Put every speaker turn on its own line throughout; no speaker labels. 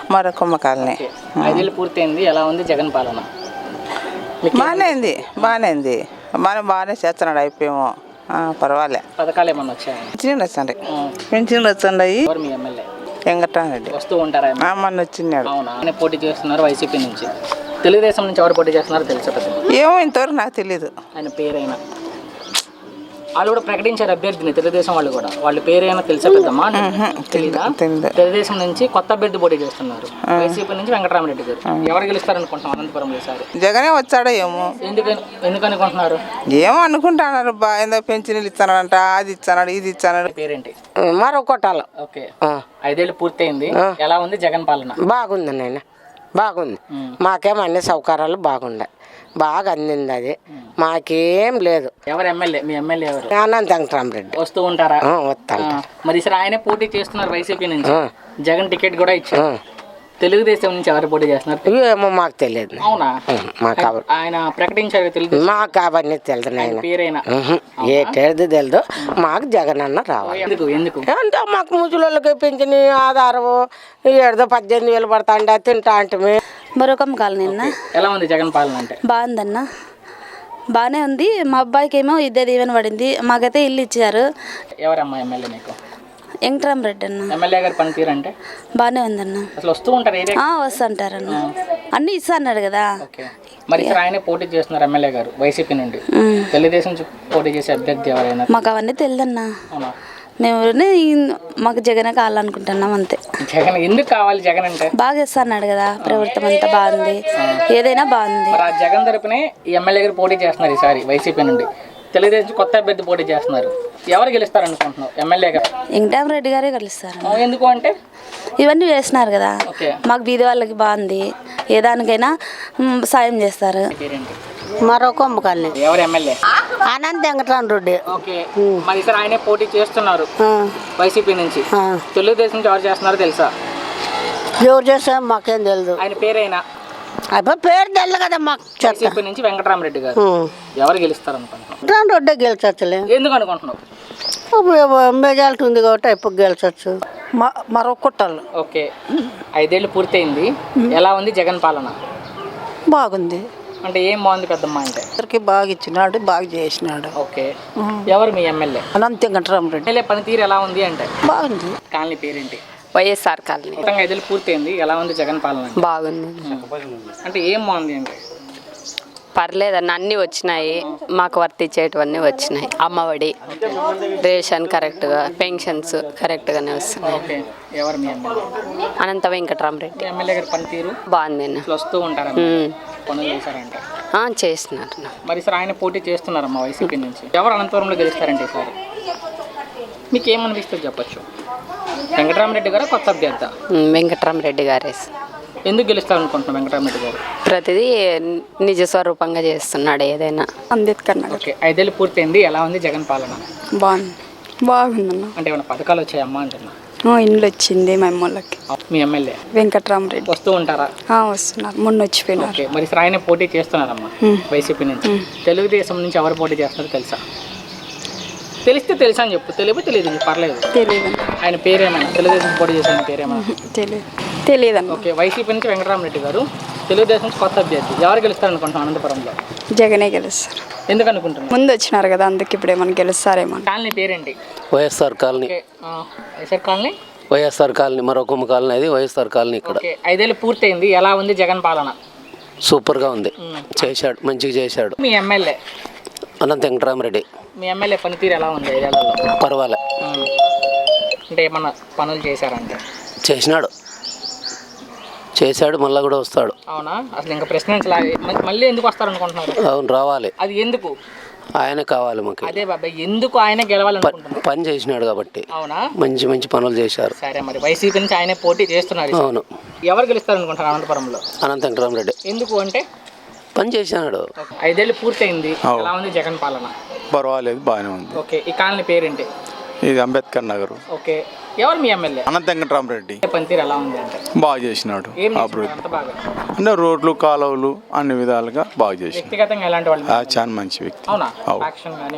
మరొకమ్మ colony.
5 ఏళ్ళు పూర్తయింది. ఎలా ఉంది జగన్ పాలన?
బాగానే ఉంది. మనం బాగానే చేస్తున్నాడు. అయిపోయాము, పర్వాలే.
పథకాలు ఏమన్నా వచ్చాయి?
పెన్షన్లు వచ్చాయి.
ఎవరు మీ ఎమ్మెల్యే?
వెంకటరామరెడ్డి
వస్తూ ఉంటారా?
మొన్న వచ్చినాడు.
అవునా? ఆయన పోటీ చేస్తున్నారు వైసీపీ నుంచి. తెలుగుదేశం నుంచి ఎవరు పోటీ చేస్తున్నారో తెలుసా?
ఏమో ఇంతవరకు నాకు తెలీదు.
ఆయన పేరైనా వాళ్ళు కూడా ప్రకటించారు అభ్యర్థిని, తెలుగుదేశం వాళ్ళు కూడా. వాళ్ళ పేరైనా తెలుసా పెద్దమ్మా? తెలీదా? తెలుగుదేశం నుంచి కొత్త అభ్యర్థి పోటీ చేస్తున్నారు. వైసీపీ నుంచి వెంకటరామరెడ్డి గారు. ఎవరు గెలుస్తారు అనుకుంటున్నాం అనంతపురంలో ఈసారి?
జగనే వచ్చాడో ఏమో.
ఎందుకు అనుకుంటున్నారు?
ఏమో అనుకుంటున్నారు. ఏదో పెన్షన్లు ఇస్తానంట, అది ఇచ్చాడు, ఇది ఇచ్చాడు.
పేరేంటి?
మరో కొట్టాలి.
ఓకే. 5 ఏళ్ళు పూర్తయింది. ఎలా ఉంది జగన్ పాలన?
బాగుంది నాయన, బాగుంది. మాకేం అన్ని సౌకర్యాలు బాగుండే, బాగా అందింది. అది మాకేం లేదు.
ఎవరు ఎమ్మెల్యే? మీ ఎమ్మెల్యే ఎవరు?
అనంత వెంకటరామరెడ్డి.
వస్తూ ఉంటారా?
వస్తాను.
మరి ఈసారి ఆయనే పోటీ చేస్తున్నారు వైసీపీ నుంచి. జగన్ టికెట్ కూడా ఇచ్చారు. తెలుగుదేశం నుంచి ఎవరు పోటీ చేస్తున్నారు?
ఏమో మాకు తెలియదు.
అవునా?
మాకు
ఆయన ప్రకటించారు తెలుగుదేశం.
మాకు అవన్నీ తెలుసు నాయన.
పేరైనా
ఏటేది తెలుదు. మాకు జగన్ అన్న రావాలి.
ఎందుకు
అంటే మాకు ముసలోళ్ళకి పెంచిన ఆధారము 18,000 పడతాండి, తింటా అంటే.
మరొకమ్మ కాలనీ.
ఎలా ఉంది జగన్ పాలన? అంటే
బాగుందన్న, బాగానే ఉంది. మా అబ్బాయికి ఏమో ఇద్దరు దీవెన పడింది. మాకైతే ఇల్లు ఇచ్చారు.
ఎవరమ్మా ఎమ్మెల్యే నీకు?
వెంకటరామరెడ్డి అన్న.
ఎమ్మెల్యే గారు పనితీరు అంటే
బాగానే ఉందన్న.
అసలు వస్తూ ఉంటారు ఏరియా?
వస్తుంటారన్న, అన్నీ ఇస్తా అన్నాడు కదా.
మరి ఇక్కడ ఆయనే పోటీ చేస్తున్నారు ఎమ్మెల్యే గారు వైసీపీ నుండి. తెలుగుదేశం నుంచి పోటీ చేసే అభ్యర్థి ఎవరైనా?
మాకు అవన్నీ తెలియదన్నా. మేము మాకు జగనే కావాలనుకుంటున్నాం అంతే.
జగన్ ఎందుకు కావాలి? జగన్ అంటే
బాగా ఇస్తా అన్నాడు కదా. ప్రభుత్వం అంతా బాగుంది, ఏదైనా బాగుంది.
ఆ జగన్ తరపునే ఈ ఎమ్మెల్యే గారు పోటీ చేస్తున్నారు ఈసారి వైసీపీ నుండి. తెలుగుదేశం కొత్త అభ్యర్థి పోటీ చేస్తున్నారు. ఎవరు గెలుస్తారు అనుకుంటున్నావు? ఎమ్మెల్యే గారు
వెంకటరామరెడ్డి గారే గెలుస్తారు.
ఎందుకు అంటే
ఇవన్నీ వేసినారు కదా. మాకు బీద వాళ్ళకి బాగుంది, ఏ దానికైనా సాయం చేస్తారు.
మరో కొమ్మ కాలనీ.
ఎవరు ఎమ్మెల్యే?
అనంత వెంకటరామరెడ్డి.
ఓకే. మరి ఈసారి ఆయనే పోటీ చేస్తున్నారు వైసీపీ నుంచి. తెలుగుదేశం నుంచి ఎవరు చేస్తున్నారో తెలుసా?
ఎవరు చేస్తారు మాకేం తెలియదు.
ఆయన పేరైనా?
అయిపోయి పేరు తెలియదు కదా మాకు.
వైసీపీ నుంచి వెంకటరామరెడ్డి గారు. ఎవరు గెలుస్తారు అనుకుంటున్నావు?
వెంకటరామరెడ్డి గెలిచొచ్చులే.
ఎందుకు అనుకుంటున్నావు?
మెజారిటీ ఉంది కాబట్టి అయిపోయి గెలిచొచ్చు. మరో కొట్టాలి.
ఓకే. 5 ఏళ్ళు పూర్తయింది. ఎలా ఉంది జగన్ పాలన?
బాగుంది.
అంటే ఏం బాగుంది పెద్దమ్మ అంటే?
అందరికి బాగా ఇచ్చినాడు, బాగా చేసినాడు.
ఓకే. ఎవరు మీ ఎమ్మెల్యే?
అనంత వెంకటరామరెడ్డి.
ఎమ్మెల్యే పనితీరు ఎలా ఉంది అంటే?
బాగుంది.
కాలనీ పేరేంటి?
YSR colony.
5 ఏళ్ళు పూర్తయింది. ఎలా ఉంది జగన్ పాలన?
బాగుంది.
అంటే ఏం బాగుంది అంటే?
పర్లేదన్న, అన్నీ వచ్చినాయి. మాకు వర్తించేటివన్నీ వచ్చినాయి. అమ్మఒడి, రేషన్ కరెక్ట్గా, పెన్షన్స్ కరెక్ట్గానే వస్తున్నాయి.
ఓకే. ఎవరు మీ ఎమ్మెల్యే?
అనంత వెంకటరామరెడ్డి.
ఎమ్మెల్యే గారి పనితీరు
బాగుంది.
వస్తూ ఉంటారా? పనులు చేశారంటే?
చేస్తున్నారు.
మరి సార్ ఆయన పోటీ చేస్తున్నారమ్మా వైసీపీ నుంచి. ఎవరు అనంతపురంలో గెలుస్తారంటే ఈసారి? మీకు ఏమనిపిస్తుంది చెప్పచ్చు? వెంకటరామరెడ్డి గారు కొత్త అభ్యర్థి?
వెంకటరామరెడ్డి గారే.
ఎందుకు గెలుస్తారు అనుకుంటున్నాం వెంకటరామరెడ్డి గారు?
ప్రతిదీ నిజ స్వరూపంగా చేస్తున్నాడు ఏదైనా. అంబేద్కర్ నగర్.
ఓకే. 5 ఏళ్ళు పూర్తయింది. ఎలా ఉంది జగన్ పాలన?
బాగుందన్న.
అంటే ఏమైనా పథకాలు వచ్చాయమ్మా అంటున్నా?
ఇండ్లు వచ్చింది మా అమ్మోళ్ళకి.
మీ ఎమ్మెల్యే?
వెంకటరామరెడ్డి.
వస్తూ ఉంటారా?
వస్తున్నారు, మొన్న వచ్చిపోయినారు.
ఓకే. మరి సార్ ఆయన పోటీ చేస్తున్నారమ్మా వైసీపీ నుంచి. తెలుగుదేశం నుంచి ఎవరు పోటీ చేస్తున్నారో తెలుసా? తెలిస్తే తెలుసా అని చెప్పు, తెలియదు పర్లేదు.
తెలియదు.
ఆయన పేరేమైనా? తెలుగుదేశం పోటీ చేసిన పేరేమైనా?
తెలియదు.
ఓకే. వైసీపీ నుంచి వెంకటరామరెడ్డి గారు, తెలుగుదేశం నుంచి కొత్త అభ్యర్థి. ఎవరు గెలుస్తారు అనుకుంటున్నాం అనంతపురంలో?
జగనే గెలుస్తారు.
ఎందుకు అనుకుంటున్నాను?
ముందు వచ్చినారు కదా, అందుకే ఇప్పుడు ఏమైనా గెలుస్తారేమో.
కాలనీ పేరేంటి?
YSR colony.
YSR colony.
YSR colony మరొకమ్మ కాలనీ. అది వైఎస్ఆర్ కాలనీ ఇక్కడ.
5 ఏళ్ళు పూర్తయింది. ఎలా ఉంది జగన్ పాలన?
సూపర్గా ఉంది. చేశాడు, మంచిగా చేశాడు.
మీ ఎమ్మెల్యే?
అనంత వెంకటరామరెడ్డి.
మీ ఎమ్మెల్యే పనితీరు ఎలా ఉంది 5 ఏళ్లలో?
పర్వాలే.
అంటే ఏమన్నా పనులు చేశారంటే?
చేశాడు, మళ్ళీ కూడా వస్తాడు.
అవునా? అసలు ఇంకా ప్రశ్నించలే. మళ్ళీ ఎందుకు వస్తారు అనుకుంటున్నారు?
అవును, రావాలి.
అది ఎందుకు?
ఆయన కావాలి మాకు.
అదే బాబాయ్, ఎందుకు ఆయన గెలవాలనుకుంటున్నారు?
పని చేసినాడు కాబట్టి.
అవునా?
మంచి పనులు చేశారు.
సరే, మరి వైసీపీ నుంచి ఆయనే పోటీ చేస్తున్నారు.
అవును.
ఎవరు గెలుస్తారు అనుకుంటున్నారు అనంతపురంలో?
అనంత వెంకటరామరెడ్డి.
ఎందుకు అంటే?
పని చేసినాడు.
5 ఏళ్ళు పూర్తయింది. ఎలా ఉంది జగన్ పాలన?
పర్వాలేదు, బాగానే ఉంది.
ఓకే. ఈ కాలనీ పేరేంటి?
ఇది అంబేద్కర్ నగర్.
ఓకే. ఎవరు మీ ఎమ్మెల్యే?
అనంత వెంకటరామరెడ్డి.
పనితీరు ఎలా ఉంది అంటే?
బాగా చేసినాడు.
అంత బాగా
అంటే రోడ్లు, కాలువలు అన్ని విధాలుగా బాగా చేసినాడు.
వ్యక్తిగతంగా ఎలాంటి వాళ్ళు?
చాలా మంచి వ్యక్తి.
అవునా?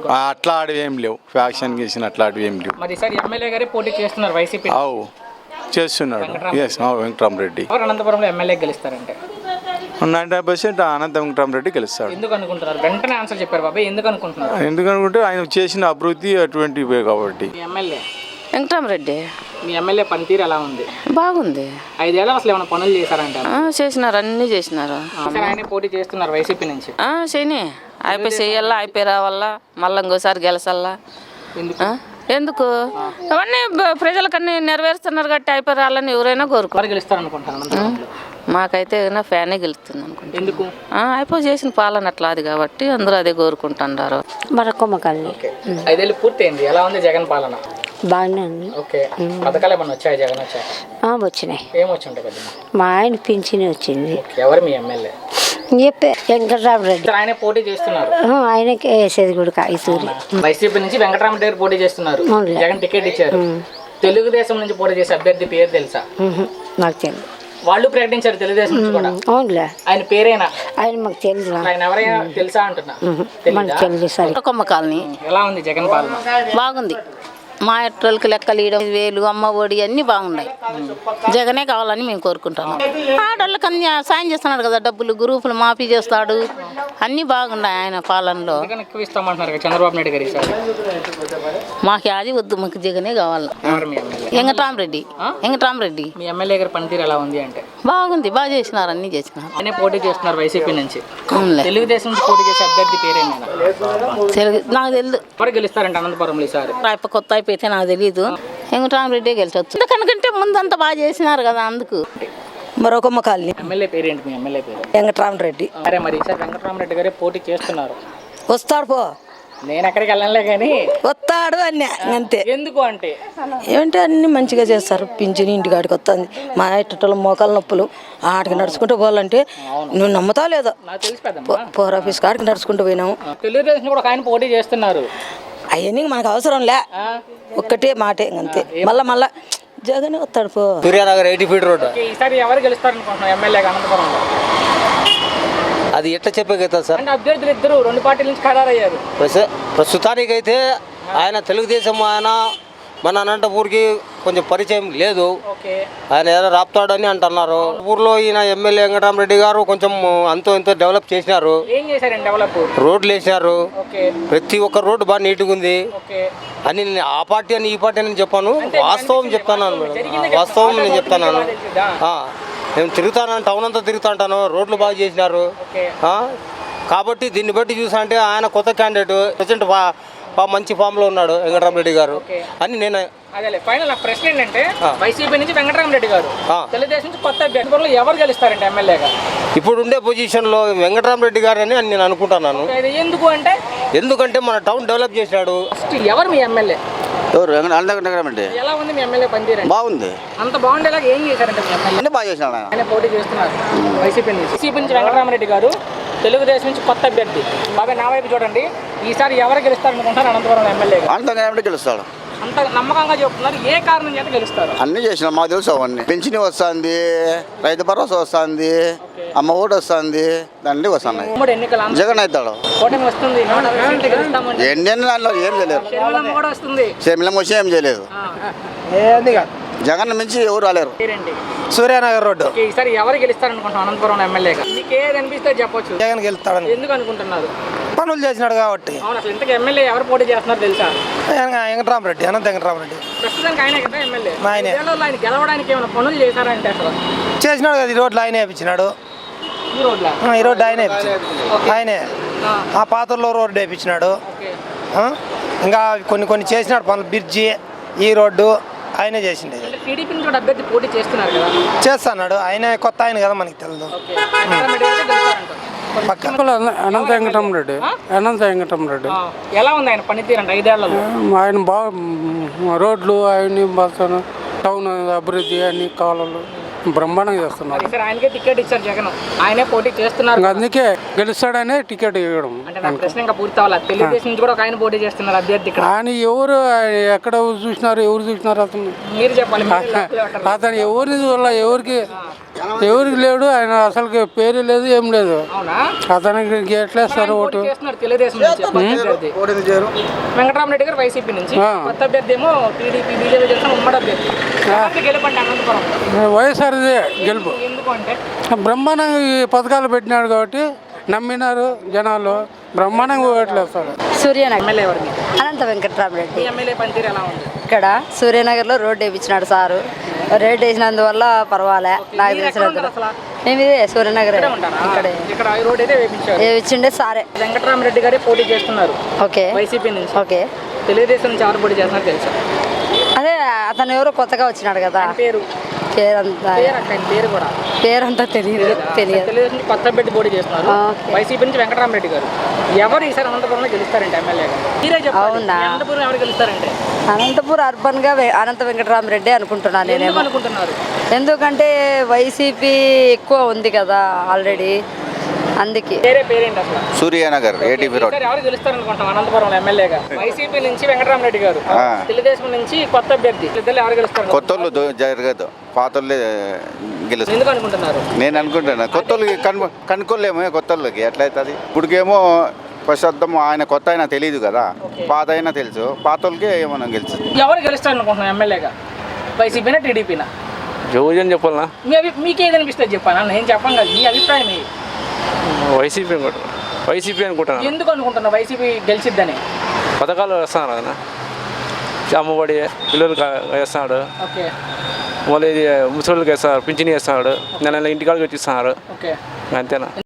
అట్లాంటివి ఏం లేవు. ఫ్యాక్షన్ గీసిన అట్లాంటివి ఏం లేవు.
మరి ఈసారి ఎమ్మెల్యే గారే పోటీ చేస్తున్నారు వైసీపీ.
చేస్తున్నాడు ఎస్ వెంకటరామరెడ్డి.
ఎవరు అనంతపురంలో ఎమ్మెల్యే గెలుస్తారంటే
90% అనంత వెంకటరామరెడ్డి గెలుస్తాడు.
ఎందుకు అనుకుంటున్నారు? వెంటనే ఆన్సర్ చెప్పారు బాబాయ్, ఎందుకు అనుకుంటున్నారు?
ఎందుకనుకుంటే ఆయన చేసిన అభివృద్ధి అటువంటివే కాబట్టి.
మీ ఎమ్మెల్యే
వెంకటరామరెడ్డి
మీ ఎమ్మెల్యే పనితీరు ఎలా ఉంది?
బాగుంది.
5 ఏళ్ళు అసలు ఏమైనా పనులు చేశారంటే?
చేసినారు, అన్నీ చేసినారు.
ఆయనే పోటీ చేస్తున్నారు వైసీపీ నుంచి.
చేయని అయిపోయి చెయ్యాలా, అయిపోయి రావాలా, మళ్ళీ ఇంకోసారి గెలసల్లా. ఎందుకు అవన్నీ ప్రజలకన్నీ నెరవేరుస్తున్నారు కాబట్టి అయిపోయి రావాలని ఎవరైనా కోరుకోరు.
గెలుస్తారు అనుకుంటాను.
మాకైతే ఏదైనా ఫ్యానే గెలుస్తుంది అనుకుంటా.
ఎందుకు?
అయిపోయి చేసిన పాలన అట్లా అది కాబట్టి అందరూ అదే కోరుకుంటున్నారు.
మరొకమ్మకాలని
5 ఏళ్ళు పూర్తయింది. ఎలా ఉంది జగన్ పాలన?
బాగానే ఉంది.
ఓకే, పథకాలు ఏమన్నా వచ్చాయి జగన్ వచ్చాయి?
వచ్చినాయి.
ఏమొచ్చి ఉంటాయి పెద్దమ్మ?
మా ఆయన పింఛన్ వచ్చింది.
ఎవరు మీ ఎమ్మెల్యే?
చెప్పే వెంకటరామరెడ్డి.
ఆయన పోటీ చేస్తున్నారు.
ఆయనకే వేసేది కూడా కాయసూరి.
వైసీపీ నుంచి వెంకటరామరెడ్డి గారు పోటీ చేస్తున్నారు. జగన్ టికెట్ ఇచ్చారు. తెలుగుదేశం నుంచి పోటీ చేసే అభ్యర్థి పేరు తెలుసా?
నాకు తెలియదు.
వాళ్ళు ప్రకటించారు తెలుగుదేశం నుంచి కూడా.
అవునులే.
ఆయన పేరేనా?
ఆయన మాకు తెలుసు.
ఆయన ఎవరైనా తెలుసా అంటున్నా?
మనకు తెలుసు. సరే.
కొమ్మ కాలనీ
ఎలా ఉంది జగన్ పాలన?
బాగుంది. మా ఎట్రోళ్ళకి లెక్కలు ఇవ్వడం, వేలు, అమ్మ ఒడి అన్నీ బాగున్నాయి. జగనే కావాలని మేము కోరుకుంటున్నాం. ఆడవాళ్ళకి అన్ని సాయం చేస్తున్నాడు కదా, డబ్బులు గ్రూపులు మాఫీ చేస్తాడు, అన్నీ బాగున్నాయి ఆయన పాలనలో.
ఎక్కువ ఇస్తామంటున్నారు చంద్రబాబు నాయుడు గారు.
మాకు అది వద్దు, మాకు జగనే కావాలి. వెంకటరామరెడ్డి. వెంకటరామరెడ్డి.
మీ ఎమ్మెల్యే గారి పనితీరు ఎలా ఉంది అంటే?
బాగుంది, బాగా చేసినారు, అన్నీ చేసినారు.
ఆయనే పోటీ చేస్తున్నారు వైసీపీ నుంచి. తెలుగుదేశం నుంచి పోటీ చేసే అభ్యర్థి పేరేనా?
నాకు తెలియదు.
ఎవరు గెలుస్తారంటే అనంతపురంలో ఈసారి?
కొత్త అయిపోతే నాకు తెలియదు. వెంకటరామరెడ్డి గెలిచొచ్చు, ఎందుకంటే ముందంతా బాగా చేసినారు కదా అందుకు.
మరొకమ్మ కాలనీ.
ఎమ్మెల్యే పేరేంటి మీ ఎమ్మెల్యే పేరు?
వెంకటరామరెడ్డి.
అరే మరి ఈసారి వెంకటరామరెడ్డి గారే పోటీ చేస్తున్నారు.
వస్తాడు పో.
నేను ఎక్కడికి వెళ్ళలే కానీ
వస్తాడు అన్నీ అంతే.
ఎందుకు అంటే
ఏమంటే అన్ని మంచిగా చేస్తారు. పింఛని ఇంటికాడికి వస్తుంది. మా ఇట్టలో మోకాలు నొప్పులు ఆడికి నడుచుకుంటూ పోవాలంటే నువ్వు నమ్ముతావు లేదో,
నాకు తెలిసి పెద్దమ్మ.
పోర్ ఆఫీస్ కాడికి నడుచుకుంటూ పోయినాము.
తెలుగుదేశం కూడా ఒక ఆయన పోటీ చేస్తున్నారు.
అవన్నీ మనకు అవసరం లే, ఒక్కటే మాటే అంతే. మళ్ళా జగన్ వస్తాడు పో.
Suryanagar 80 feet road.
ఈసారి ఎవరు గెలుస్తారు అనుకుంటున్నాం ఎమ్మెల్యేగా అనంతపురంలో?
అది ఎట్లా చెప్పగలుగుతా సార్?
అంటే అభ్యర్థులు ఇద్దరు 2 పార్టీల నుంచి ఖరారయ్యారు.
ప్రస్తుతానికైతే ఆయన తెలుగుదేశం, ఆయన మన అనంతపూర్కి కొంచెం పరిచయం లేదు. ఆయన ఏదో రాపుతాడని అంటున్నారు. ఊర్లో ఈయన ఎమ్మెల్యే వెంకటరామరెడ్డి గారు కొంచెం అంతో ఎంతో డెవలప్ చేసినారు.
ఏం చేశారండి డెవలప్?
రోడ్లు వేసినారు. ప్రతి ఒక్క రోడ్డు బాగా నీట్గా ఉంది అని. నేను ఆ పార్టీ అని ఈ పార్టీ అని చెప్పాను, వాస్తవం చెప్తాను మేడం, వాస్తవం నేను చెప్తాను. నేను తిరుగుతాను, టౌన్ అంతా తిరుగుతా ఉంటాను, రోడ్లు బాగా చేసినారు. కాబట్టి దీన్ని బట్టి చూసా అంటే ఆయన కొత్త క్యాండిడేట్, ప్రెసిడెంట్ మంచి ఫామ్ లో ఉన్నాడు వెంకటరామరెడ్డి గారు అని నేను.
అదే ఫైనల్ నా ప్రశ్న ఏంటంటే వైసీపీ నుంచి వెంకటరామరెడ్డి గారు, తెలుగుదేశం నుంచి కొత్త అభ్యర్థులు ఎవరు గెలుస్తారంటే ఎమ్మెల్యేగా?
ఇప్పుడు ఉండే పొజిషన్ లో వెంకటరామరెడ్డి గారు అని నేను అనుకుంటున్నాను.
ఎందుకు అంటే?
ఎందుకంటే మన టౌన్ డెవలప్ చేసినాడు.
ఎవరు మీ ఎమ్మెల్యే?
ఎవరు? వెంకటరామరెడ్డి.
ఎలా ఉంది మీ ఎమ్మెల్యే పనితీరు?
బాగుంది.
అంత బాగుండేలాగా ఏం చేశారంటే మీ ఎమ్మెల్యే?
బాగా చేసినాడు ఆయన.
పోటీ చేస్తున్నారు వైసీపీ నుంచి వెంకటరామరెడ్డి గారు, తెలుగుదేశం నుంచి కొత్త అభ్యర్థి. బాబాయ్ నా వైపు చూడండి, ఈసారి ఎవరు గెలుస్తారనుకుంటారు అనంతపురం ఎమ్మెల్యే?
వెంకటరామరెడ్డి గెలుస్తాడు.
అంత నమ్మకంగా చెప్తున్నారు. ఏ కారణం చేత గెలుస్తారు?
అన్ని చేసిన మాకు తెలుసు. అవన్నీ పెన్షన్ వస్తుంది, రైతు భరోసా వస్తుంది, అమ్మ ఓటు వస్తుంది, దండి వస్తున్నాయి. జగన్ అవుతాడు. ఎన్ని దాంట్లో ఏం చేయలేదు. షర్మిలమ్మ వచ్చి ఏం చేయలేదు. జగన్ మించి ఎవరు రాలేరు.
సూర్యానగర్ రోడ్డు.
ఈసారి ఎవరు గెలుస్తారనుకుంటున్నాం అనంతపురం ఎమ్మెల్యేగా? మీకు ఏది అనిపిస్తే చెప్పొచ్చు.
జగన్ గెలుస్తాడు.
ఎందుకు అనుకుంటున్నారు?
పనులు చేసినాడు కాబట్టి.
అవును, అసలు ఇంతకు ఎమ్మెల్యే ఎవరు పోటీ చేస్తున్నారు తెలుసా?
వెంకటరామరెడ్డి, అనంత వెంకటరామరెడ్డి.
ప్రస్తుతానికి ఆయనే కదా ఎమ్మెల్యే.
ఆయనే.
ఆయన గెలవడానికి ఏమైనా పనులు చేశారంటే అసలు
చేసినాడు కదా, ఈ రోడ్లు ఆయనే వేయించినాడు.
ఈ రోడ్ల
ఈ రోడ్డు ఆయనే వేయించాడు. ఆయనే ఆ పాత్రలో రోడ్డు వేయించినాడు. ఇంకా కొన్ని చేసినాడు పనులు. బ్రిడ్జి, ఈ రోడ్డు ఆయనే చేసిండే.
టీడీపీ నుంచి కూడా అభ్యర్థి పోటీ చేస్తున్నారు కదా?
చేస్తున్నాడు. ఆయన కొత్త ఆయన కదా, మనకి తెలియదు.
అనంత వెంకటరామరెడ్డి. అనంత వెంకటరామరెడ్డి.
ఎలా ఉంది ఆయన పనితీరు అంటే 5 ఏళ్లలో?
ఆయన బాగా రోడ్లు అవన్నీ బాగా, టౌన్ అభివృద్ధి అన్ని కాలాలు బ్రహ్మాండంగా చేస్తున్నారు.
ఆయనకే టికెట్ ఇచ్చారు జగన్, ఆయనే పోటీ చేస్తున్నారు.
అందుకే గెలుస్తాడనే టికెట్ ఇవ్వడం.
అంటే నా ప్రశ్న ఇంకా పూర్తి అవ్వాలి. తెలుగుదేశం నుంచి కూడా ఒక ఆయన పోటీ చేస్తున్నారు అభ్యర్థి.
ఆయన ఎవరు ఎక్కడ చూసినారు, ఎవరు చూసినారు అతను?
మీరు చెప్పాలి.
అతను ఎవరిని చూడాల, ఎవరికి లేడు. ఆయన అసలు పేరు లేదు, ఏం లేదు. అతనికి ఎట్లేస్తారు ఓటు?
తెలుగుదేశం నుంచి వెంకటరామరెడ్డి గారు వైసీపీ నుంచి, కొత్త అభ్యర్థి ఏమో టీడీపీ బీజేపీ చేసిన ఉమ్మడి అభ్యర్థి. ఎవరిది గెలుపండి అనంతపురం?
వైఎస్ఆర్దే గెలుపు.
ఎందుకు అంటే
బ్రహ్మాండంగా ఈ పథకాలు పెట్టినాడు కాబట్టి నమ్మినారు జనాలు, బ్రహ్మాండంగా ఓట్లేస్తారు.
సూర్యనగర్
ఎమ్మెల్యే ఎవరిని?
అనంత వెంకటరామరెడ్డి.
ఈ ఎమ్మెల్యే పనితీరు ఎలా ఉంది?
ఇక్కడ సూర్యనగర్లో రోడ్డు వేయించినాడు సారు. రోడ్డు వేసినందువల్ల పర్వాలే. నాకు
మీరు ఎక్కడ ఉంటారు అసలు?
మేము ఇదే సూర్యనగర్
ఇక్కడే ఉంటారా? ఇక్కడ ఈ రోడ్ అయితే వేయించారు.
వేయించిండే సారే.
వెంకటరామరెడ్డి గారే పోటీ చేస్తున్నారు
ఓకే
వైసీపీ నుంచి.
ఓకే.
తెలుగుదేశం నుంచి ఎవరు పోటీ చేస్తున్నారు తెలుసా?
అదే అతను ఎవరో కొత్తగా వచ్చినాడు కదా,
పేరు
పేరంతా
పేరు కూడా
పేరంతా తెలియదు.
తెలుగుదేశం నుంచి కొత్త పెట్టి పోటీ చేస్తున్నారు.
ఓకే.
వైసీపీ నుంచి వెంకటరామరెడ్డి గారు. ఎవరు ఈసారి అనంతపురంలో గెలుస్తారంటే ఎమ్మెల్యేగా? మీరే చెప్పాలి.
అవునా?
అనంతపురం ఎవరు గెలుస్తారంటే?
అనంతపూర్ అర్బన్ గా అనంత వెంకటరామరెడ్డి అనుకుంటున్నాను
ఎందుకు
నేనేమో.
అనుకుంటున్నారు?
ఎందుకంటే వైసీపీ ఎక్కువ ఉంది కదా ఆల్రెడీ, అందుకే.
పేరేంటి అసలు?
Suryanagar ATP road.
ఈసారి ఎవరు గెలుస్తారనుకుంటాం అనంతపురంలో ఎమ్మెల్యేగా? వైసీపీ నుంచి వెంకటరామరెడ్డి గారు, తెలుగుదేశం నుంచి కొత్త అభ్యర్థి. ఇద్దరు ఎవరు గెలుస్తారు?
కొత్తోళ్ళు జరగదు, పాతోళ్ళే గెలుస్తారు.
ఎందుకు అనుకుంటున్నారు?
నేను అనుకుంటున్నా కొత్తోళ్ళకి కనుక్కోలేము, కొత్తోళ్ళకి ఎట్లయితుంది. ఇప్పటికేమో ప్రస్తుతం ఆయన కొత్త అయినా తెలియదు కదా, పాత అయినా తెలుసు, పాతోళ్ళకి ఏమన్నా గెలుస్తుంది.
ఎవరు గెలుస్తారు అనుకుంటున్నాం ఎమ్మెల్యేగా? వైసీపీనా టీడీపీనా?
ఎవరు చెప్పాలనా?
మీకేది అనిపిస్తుంది చెప్పాను, నేను చెప్పాను కదా, మీ అభిప్రాయం ఏంటి?
వైసీపీ అనుకుంటున్నాను.
ఎందుకు అనుకుంటున్నా వైసీపీ గెలిచిద్దని?
పథకాలు వేస్తున్నారు కదా, అమ్మఒడి పిల్లలకి వేస్తున్నాడు,
ఓకే.
మళ్ళీ ఇది ముసలికి వేస్తున్నారు, పింఛని వేస్తున్నాడు, నెల ఇంటికాడికి వచ్చిస్తున్నారు,
ఓకే.
అంతేనా?